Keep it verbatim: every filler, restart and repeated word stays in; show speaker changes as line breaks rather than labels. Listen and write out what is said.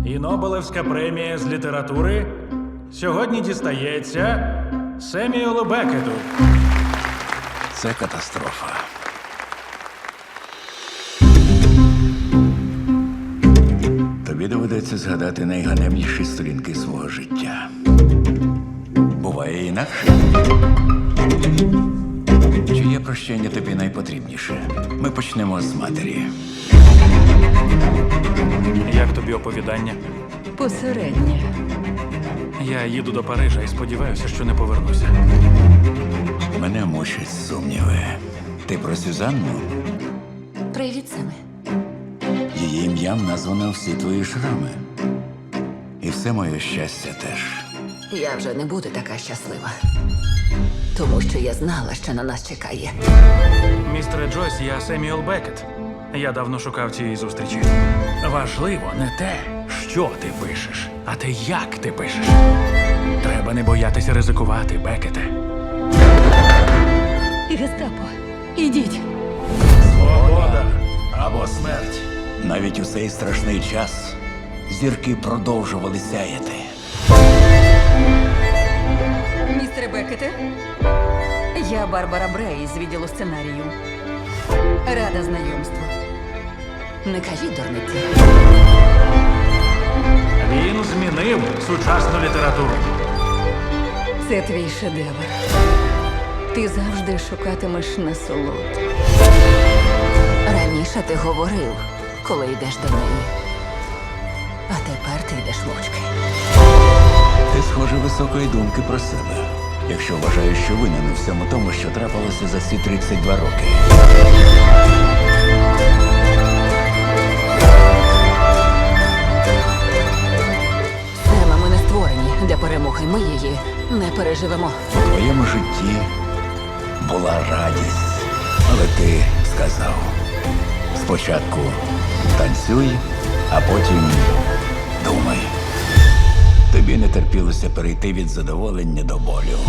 І Нобелевська премія з літератури сьогодні дістається Семюелу Беккету.
Це катастрофа. Тобі доведеться згадати найганебніші сторінки свого життя. Буває інакше. Чиє прощення тобі найпотрібніше? Ми почнемо з матері.
Як тобі оповідання?
Посереднє.
Я їду до Парижа і сподіваюся, що не повернуся.
Мене мучать сумніви. Ти про Сюзанну?
Привіт, Семе.
Її ім'ям названо всі твої шрами. І все моє щастя теж.
Я вже не буду така щаслива. Тому що я знала, що на нас чекає.
Містере Джойс, я Семюел Беккет. Я давно шукав цієї зустрічі. Важливо не те, що ти пишеш, а те, як ти пишеш. Треба не боятися ризикувати, Беккете.
Гестапо, ідіть.
Свобода або смерть.
Навіть у цей страшний час зірки продовжували сяяти.
Містере Беккете, я Барбара Брей з відділу сценарію. Рада знайомству. Не кажіть дурниці.
Він змінив сучасну літературу.
Це твій шедевр. Ти завжди шукатимеш насолод. Раніше ти говорив, коли йдеш до неї. А тепер ти йдеш мовчки.
Ти, схоже, високої думки про себе, якщо вважаєш, що винен у всьому тому, що трапилося за ці тридцять два роки.
Сема, ми не створені для перемоги. Ми її не переживемо.
У твоєму житті була радість, але ти сказав: спочатку танцюй, а потім думай. Тобі не терпілося перейти від задоволення до болю.